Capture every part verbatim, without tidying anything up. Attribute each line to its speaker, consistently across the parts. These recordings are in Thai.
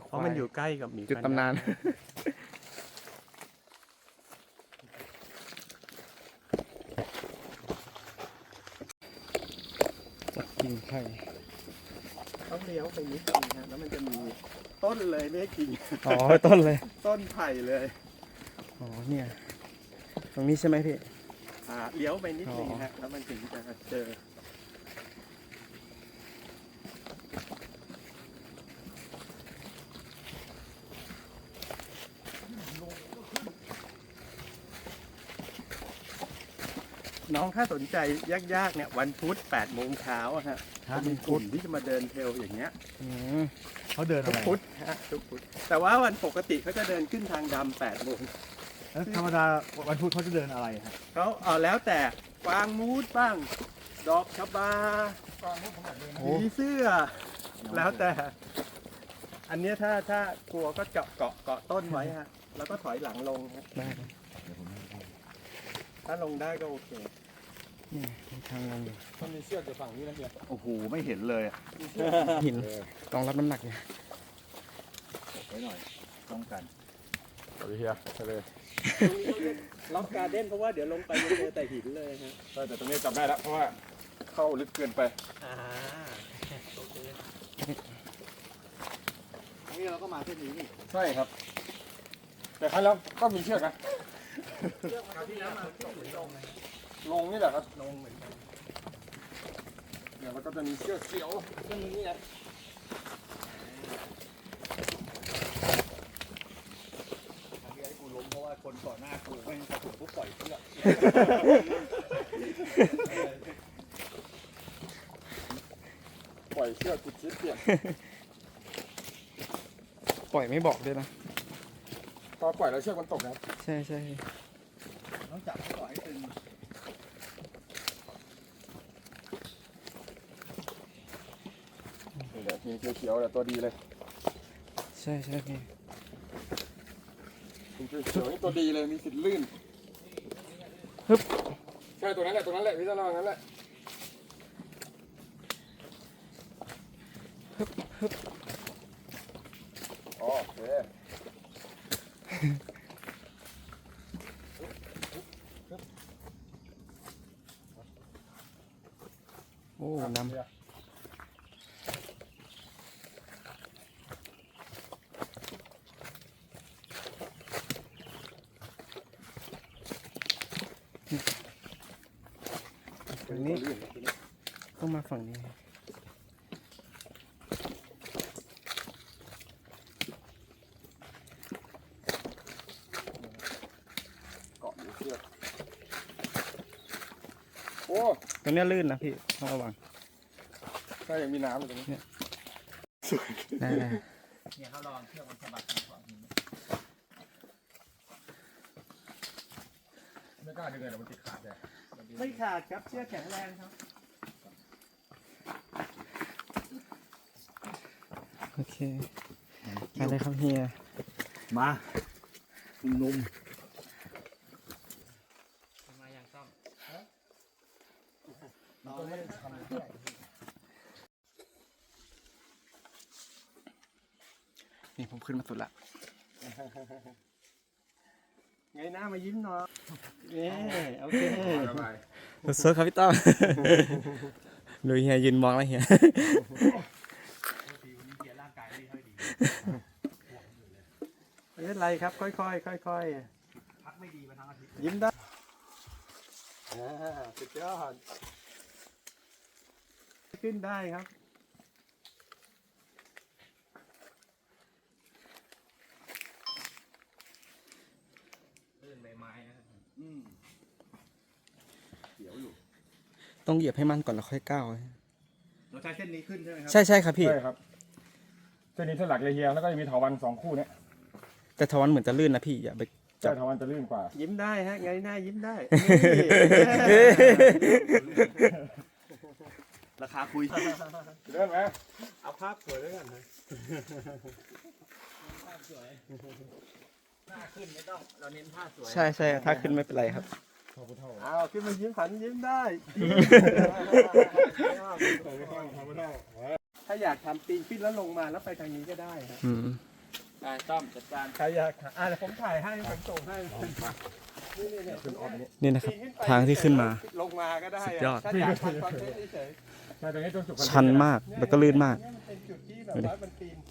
Speaker 1: เพราะมันอยู่ใกล้กับหมี
Speaker 2: จุดตำนานจัดกิ่งไผ่
Speaker 1: ต้องเลี้ยวไปนิดนึงฮะแล้วมันจะมีต้นเลยไม่ใช่กิ่ง
Speaker 2: อ๋อต้นเลย
Speaker 1: ต้นไผ่เลย
Speaker 2: อ๋อเนี่ยตรงนี้ใช่ไหมพี่
Speaker 1: อ่าเลี้ยวไปนิดนึง
Speaker 2: อ๋อ
Speaker 1: ฮะแล้วมันถึงจะเจอน้องถ้าสนใจยากๆเนี่ยวันพุธแปดโมงเช้าอะฮะจะมีกลุ่มที่จะมาเดินเทรลอย่างเงี้ย
Speaker 2: อืม
Speaker 3: เขาเดิน
Speaker 1: ทุ
Speaker 3: อะ
Speaker 1: ก
Speaker 3: ไร
Speaker 1: พุธฮะทุกพุธแต่ว่าวันปกติเขาจะเดินขึ้นทางดำแปดโมง
Speaker 3: แล้วธรรมดาวันพุธเขาจะเดินอะไรฮะ
Speaker 1: เขาเอาแล้วแต่กวางมูดบ้าง ดอกชะบา
Speaker 2: โอ้
Speaker 1: ผีเสื้อ แล้วแต่ อันเนี้ยถ้าถ้ากลัวก็เกาะเกาะเกาะต้นไว้ฮะ แล้วก็ถอยหลังลงฮะ
Speaker 2: ได้ครับ
Speaker 1: ถ้าลงได้ก็โอเค
Speaker 2: นี่มีทางลงอยู่
Speaker 1: มันมีเชือกอยู่ฝั่งนี้นะเฮีย
Speaker 3: โอ้โหไม่เห็นเลยอะ
Speaker 2: หินรองรับน้ำหนักอยู่
Speaker 3: ไว้หน่อยป้องกัน
Speaker 4: สวัสดีเฮียไปเลย
Speaker 1: ตรงนี้เขาเรียกล็อกการ์เด้นเพราะว่าเดี๋ยวลงไปจะเจอแต่หินเลยฮะ
Speaker 4: ใช่แต่ตรงนี้จับได้แล้วเพราะว่าเข้าลึกเกินไป
Speaker 1: อ่าโอเค
Speaker 3: นี่เราก็มาเส้นนี้นี่
Speaker 4: ใช่ครับ แต่ครั้งแล้วก็มีเชือกนะ
Speaker 1: เชือกคราวที่แล้วมาขึ้นหรือลงนะ
Speaker 4: ลงนี่แหละครับ
Speaker 1: ลงเหมือนกัน
Speaker 4: เดี๋ยวเราก็จะมีเชือกเขียวเส้นนี้นะ
Speaker 3: ทางที่ไอ้กูล้มเพราะว่าคนก่อนหน้ากูไม่กระถูกปุ๊บปล่อยเชือก
Speaker 4: ปล่อยเชือกติดชิดเปลี่ยน
Speaker 2: ปล่อยไม่บอกด้วยนะ
Speaker 4: พอปล่อยแล้วเชือกมันตกนะ
Speaker 2: ใช่ใช่
Speaker 3: ต้องจับให้ก่อนให้ตึง
Speaker 4: เดี๋ยวมีเขียวๆเดี๋ยวตัวดีเลย
Speaker 2: ใช่ใช่พี่
Speaker 4: มีเขียวๆนี่ตัวดีเลยมีสิทธิ์ลื่น
Speaker 2: ฮึบ
Speaker 4: ใช่ตัวนั้นแหละตัวนั้นแหละพี่ต้องระวังนั้นแหละ
Speaker 2: ฮึบฮึบ
Speaker 4: อ๋อโอเค
Speaker 2: โอ้น้ำฝั่งนี้ต้องมาฝั่งนี้
Speaker 4: เกาะอยู่เชือกโอ้
Speaker 2: ตรงเนี้ยลื่นนะพี่ต้องระวัง
Speaker 4: ใช่ยังมีน้ำอยู่ตรงนี้
Speaker 2: ได้ได้
Speaker 3: เนี่ยเขาลองเชือกมันสะบัดก่อน
Speaker 4: ไม่กล้าดึงเลยเดี๋ยวมันติดขาดเลย
Speaker 1: ไม่ขาดครับเชือกแข็งแรงครับ
Speaker 2: โอเคไปเลยครับเฮีย
Speaker 3: มานุ่ม
Speaker 2: มาอย่างซ่อม
Speaker 3: มันก็ไม่ได้ทำอะไร
Speaker 2: นี่ผมขึ้นมาสุดละ
Speaker 1: ไงหน้ามายิ้มหน่อยเย้โอเค
Speaker 4: สบาย
Speaker 2: สดๆครับพี่ต้อม ดูเฮียยืนมองแล้วเฮีย
Speaker 3: ทีวันนี้เกียร์ร่างกายไม่ค่อยดี
Speaker 1: ไม่เป็นไรครับค่อยๆค่อย
Speaker 3: พักไม่ดีมาทั้งอาทิตย์
Speaker 1: ๆยิ้มได้อ่าสุดยอดขึ้นได้ครับ
Speaker 3: ลื่นใบไม้นะครับ
Speaker 4: อืมเขียวอยู่
Speaker 2: ต้องเหยียบให้มันก่อนแล้วค่อยก้าว
Speaker 3: เราใช้เส้นนี้ขึ้นใช่ไหมครั
Speaker 2: ใช่ใช่ครับพี่
Speaker 4: ใช่ครับเส้นนี้เส้นหลักเลยเฮียแล้วก็จะมีเถาวัลย์สองคู่เนี่ย
Speaker 2: แต่ทวันเหมือนจะลื่นนะพี่อย่าไป
Speaker 4: ใช่เถาวัลย์จะลื่นกว่า
Speaker 1: ยิ้มได้ฮะไงหน้ายิ้มได้
Speaker 3: ราคาคุย
Speaker 4: เลื่อนไหม
Speaker 1: เอาภาพสวยด้วยกันนะ
Speaker 3: หน้าขึ้นไม่ต้อง เราเน้นท่าสวย
Speaker 2: ใช่ใช่ถ้าขึ้นไม่เป็นไรครับ
Speaker 1: เอาขึ้นมายิ้มหันยิ้มได้ถ้าอยากทำปีนขึ้นแล้วลงมาแล้วไปทางนี้ก็ได้ฮะ
Speaker 2: อืม
Speaker 3: ได้ต้อมจัดการ
Speaker 1: ใครอยากหาอ่ะเดี๋ยวผมถ่ายให้ผมส่งให้นี่นี่นี่ขึ้นออกนี้
Speaker 2: นี่นะครับ ทางที่ขึ้นมา
Speaker 1: ลงมาก็ได้
Speaker 2: สุดยอด
Speaker 1: ถ้าอยากทำคอนเทนต์เฉย
Speaker 4: ใช่ตรงนี้ต้นสุก
Speaker 2: ชันมากแล้วก็ลื่นมาก
Speaker 1: ๆเนี่ยมันเป็นจุดที่แบบว่ามันปีน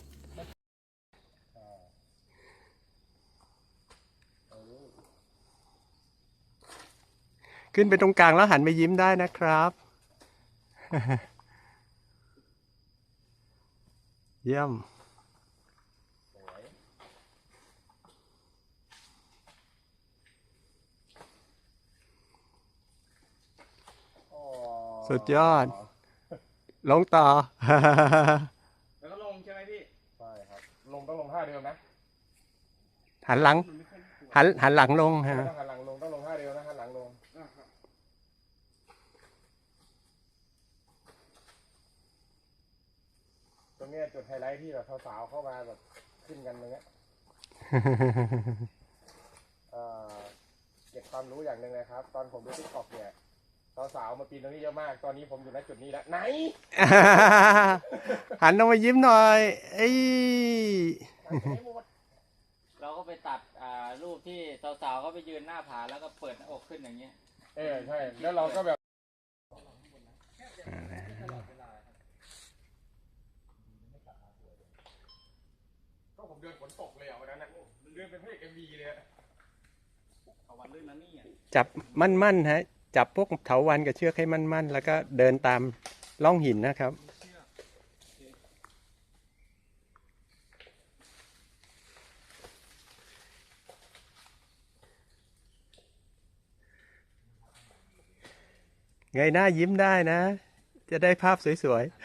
Speaker 1: ขึ้นไปตรงกลางแล้วหันไปยิ้มได้นะครับ เยี่ยม สุดยอด ลงต่อ
Speaker 3: แล้วก็ลงใช่ไหมพี่
Speaker 4: ใช่ครับลงต้องลงท่าเดิมนะ
Speaker 1: หันหลัง หันหันหลังลงฮะ
Speaker 4: ต้องหันหลังลงต้องลงท่าเดิมนะหันหลังลงตรงเนี้ยจุดไฮไลท์ที่แบบสาวๆเข้ามาแบบขึ้นกันตรงเนี้ย เอ่อเก็บความรู้อย่างหนึ่งนะครับ ตอนผมดูทิกตอกเนี่ยสาวๆมาปีนตรงนี้เยอะมาก ตอนนี้ผมอยู่ณจุดนี้แล้วไหน
Speaker 1: หันลงมายิ้มหน่อยเอ้ย
Speaker 3: เราก็ไปตัดอ่ารูปที่สาวๆเขาไปยืนหน้าผาแล้วก็เปิดหน้าอกขึ้นอย่างเงี้ย
Speaker 4: เออใช่แล้วเราก็แบบก็ผมเดินฝนตกเลยอ่ะวันนั้นนะเดินเป็นพระเอกเอ็มวีเลย
Speaker 3: เอาวันลื่นนะนี่อ่ะ
Speaker 1: จับมั่นๆฮะ จับพวกเถาวัลย์กับเชือกให้มั่นๆ แล้วก็เดินตามร่องหินนะครับ ไงหน้ายิ้มได้นะ จะได้ภาพสวยๆ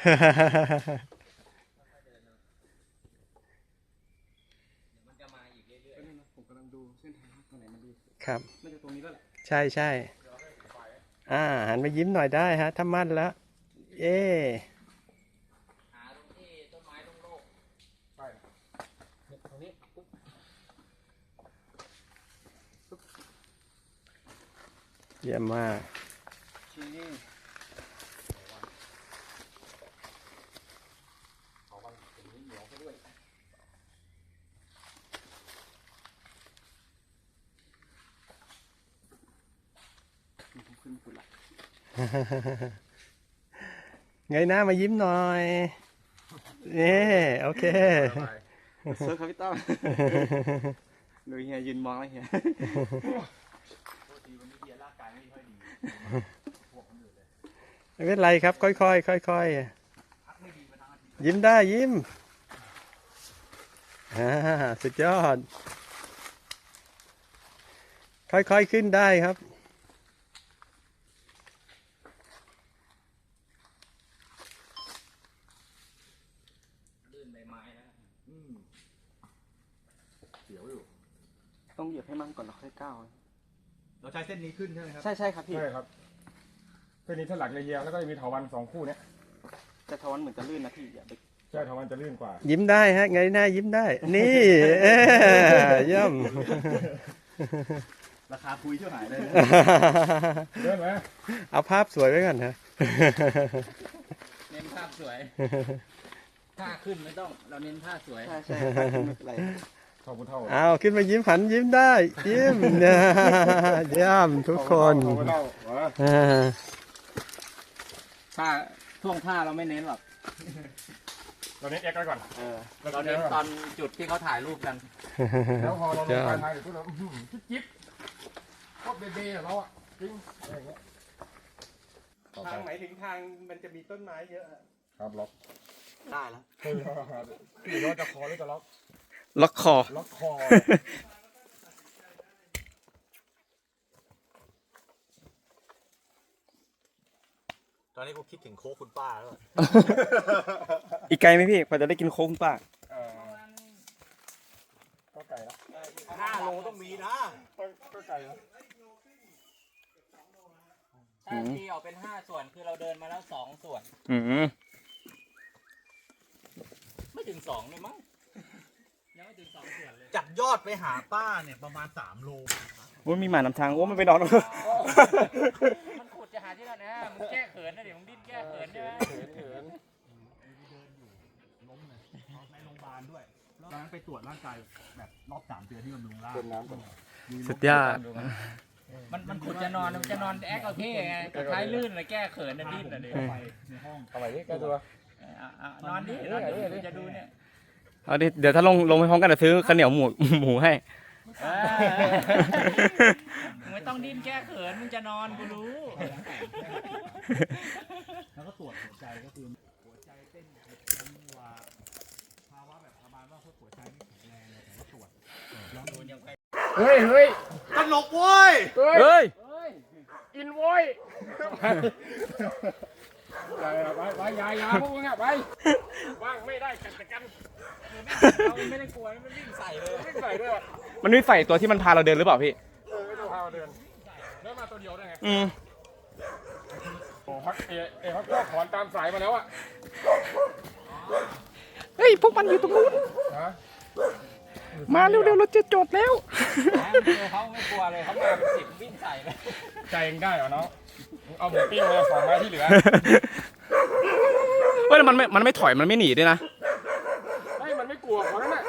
Speaker 3: มันจะมาอีกเรื่อยๆผมกำลังดูเส้นทางตรงไหนมันดี
Speaker 1: ครับ
Speaker 3: น่าจะตรงนี้แล้วแหละ
Speaker 1: ใช่ใช่อ่าหันมายิ้มหน่อยได้ฮะ ถ้ามั่นแล้ว เย้
Speaker 3: หาตรงที่ต้นไม้ตรงโลก
Speaker 4: ใช่
Speaker 3: ตรงนี้ปุ๊บ
Speaker 1: เยี่ยมมาก
Speaker 3: ชี้นี่
Speaker 1: ไงหน้ามายิ้มหน่อยนี่โอเค
Speaker 2: เซิร์ฟครับพี่ต้อมดูเฮียยืนมองแล้วเฮีย
Speaker 3: โทษทีวันนี้เบียร์ร่างกายไม่ค่อยดีพวกคนอื่นเลย
Speaker 1: ไม่เป็นไรครับ ค่อยๆค่อยๆยิ้มได้ยิ้มอ่าสุดยอด ค่อยๆขึ้นได้ครับ
Speaker 3: ลื่นใบไม้แล้ว
Speaker 4: เสียวอยู่
Speaker 2: ต้องเหยียบให้มั่นก่อนแล้วค่อยก้าว
Speaker 3: เราใช้เส้นนี้ขึ้นใช่ไหมครับ
Speaker 2: ใช่ใช่ครับพี่
Speaker 4: ใช่ครับเส้นนี้ถ้าหลักเยียงแล้วก็จะมีเถาวัลย์สองคู่เนี้ย
Speaker 2: แต่ทวันเหมือนจะลื่นนะพี่อย่าไป
Speaker 4: ใช่เถาวัลย์จะลื่นกว่า
Speaker 1: ยิ้มได้ฮะไงหน้ายิ้มได้ นี่เอ้ยเยี่ยม
Speaker 3: ราคาคุยเท่าไหร่เลย
Speaker 4: เลื่อนไหม
Speaker 1: เอาภาพสวยไว้ก่อนนะ
Speaker 3: เน้นภาพสวยท่าขึ้นไม่ต้องเราเน้นท่าสวย
Speaker 2: ใช่ใช่ไม่เป็นไร
Speaker 4: เท่าพุทเท่า
Speaker 1: เอาขึ้นมายิ้มหันยิ้มได้ ยิ้ม นะเยี่ยมทุกคน
Speaker 4: เท่าพุทเท่าเหรอ
Speaker 1: อ่า
Speaker 3: ท่าท่วงท่าเราไม่เน้นหรอก
Speaker 4: เราเน้นเอ็กซ์ไว้ก่อน
Speaker 2: เออ
Speaker 3: เราเน้นตอนจุดที่เขาถ่ายรูปกัน
Speaker 4: แล้วพอเราลงปลายทางเดี๋ยวพวกเราอื้อหือจิ๊บจิ๊บก็เบเบ้เราอ่ะจริงอะไรอย่างเงี้ยต่อไป
Speaker 1: ทางหมายถึงทางมันจะมีต้นไม้เยอะ
Speaker 4: ครับล็อก
Speaker 2: ได้แล้ว
Speaker 4: เฮ้ยพี่ว่าจะคอหรือจะล็อก
Speaker 2: ล็อกคอ
Speaker 4: ล็อกคอ
Speaker 3: ตอนนี้กูคิดถึงโค้กคุณป้าแล้ว
Speaker 2: อีกไกลไหมพี่พอจะได้กินโค้งป้า
Speaker 4: เออก็ไก่ละ
Speaker 3: ห้าโลต้องมีนะ
Speaker 4: ก็ก็ไก่ละ
Speaker 3: ถ้าตีออกเป็นห้าส่วนคือเราเดินมาแล้วสองส่วน
Speaker 2: อืม
Speaker 3: ไม่ถึงสองเลยมั้งยังไม่ถึงสองส่วนเลย
Speaker 5: จากยอดไปหาป้าเนี่ยประมาณสามโล
Speaker 2: ว่ามีหมานำทางว่ามันไปนอน
Speaker 3: มันขุดจะหาที่นั่นนะมึงแก้เขินนะเดี๋ยวมึงดิ้นแก้เขินใช่ไหม
Speaker 4: เหินเหิน
Speaker 5: ล้มเลยในโรงพยาบาลด้วยตอนนั้นไปตรวจร่างกายแบบรอบสามเดือนที่บำรุงร่าง
Speaker 4: เติมน้ำก่อน
Speaker 2: สุดยอด
Speaker 3: มันมันขุดจะนอนมันจะนอนแอคเอาเท่ไงกระท้ายลื่นเลยแก้เขินนะดิ้นนะเดี๋ยว
Speaker 5: ไปในห้อง
Speaker 4: เอาใหม่ดิแก้ตัว
Speaker 3: อ่ะอ่ะนอนดินอนดิจะดูเนี่ย
Speaker 2: เอาดิเดี๋ยวถ้าลงลงไปพร้อมกันเดี๋ยวซื้อข้าวเหนียวหมูหมูให้
Speaker 3: เออมึงไม่ต้องดิ้นแก้เขินมึงจะนอนกูรู้
Speaker 5: แล้วก็ตรวจหัวใจก็คือหัวใจเต้นผิดจังหวะภาวะแบบประมาณว่าพวกหัวใจไม่แข็งแรงเลยแต่ว่าตรวจลองดูยังไง
Speaker 4: เฮ้ยเฮ้ย
Speaker 1: ตลกเว้ย
Speaker 4: เฮ้ย
Speaker 2: เฮ้ย
Speaker 4: อินโว้ยไปไปไปยายาพวกมึงอ่ะไปว่างไม่ได้กันแต่กัน
Speaker 3: เราไม่ได้กลัวมันวิ่งใส่เลย
Speaker 4: ไม่ใส่ด้วย
Speaker 2: มันมีไฟตัวที่มันพาเราเดินหรือเปล่าพี่
Speaker 4: เออไม่ต้องพามาเดินแล้วมาตัวเดียวได้ไง
Speaker 2: อืม
Speaker 4: โอ้ฮักเอเอฮักก็ถอนตามสายมาแล้วอ่ะ
Speaker 2: เฮ้ยพวกมันอยู่ตรงนู้น
Speaker 4: ฮะ
Speaker 2: มาเร็วๆเราจะจดแล้ว
Speaker 3: เขาไม่กลัวเลยเขามาเป็นสิบวิ่งใส่เลย
Speaker 4: ใจเองได้เหรอน้องเอาหมูปิ้งมาสองไม้ที่เหลือ
Speaker 2: เฮ้ยแล้วมันไม่มันไม่ถอยมันไม่หนีด้วยนะ
Speaker 4: ไม่มันไม่กลัวเขานั่นน่ะ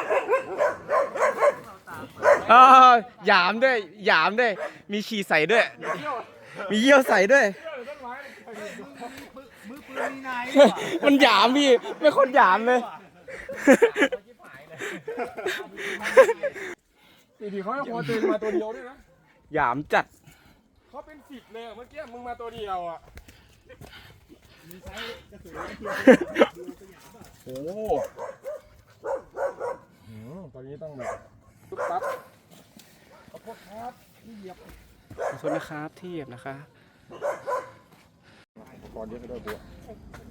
Speaker 2: เออหยามด้วยหยามด้วยมีฉี่ใส่ด้วย
Speaker 4: เที่ยว
Speaker 2: มีเยี่ยวใส่ด้วย
Speaker 4: เที่ยวต้นไม้
Speaker 5: มือปืนมีนาย
Speaker 2: มันหยามพี่ไม่คนหยามเลย
Speaker 4: ทีทีเขาให้พอเตือนมาตัวเดียวด้วยนะ
Speaker 2: หยามจัด
Speaker 4: เขาเป็นสิบเลยเมื่อกี้มึงมาตัวเดียวอ่ะโอ้โหอืมตอนนี้ต้องแบบตุ๊บตับขอโทษครับที่เหยียบ
Speaker 2: ขอโทษนะครับที่เหยียบนะคะ
Speaker 4: ก่อนเยอะไปด้วยบัว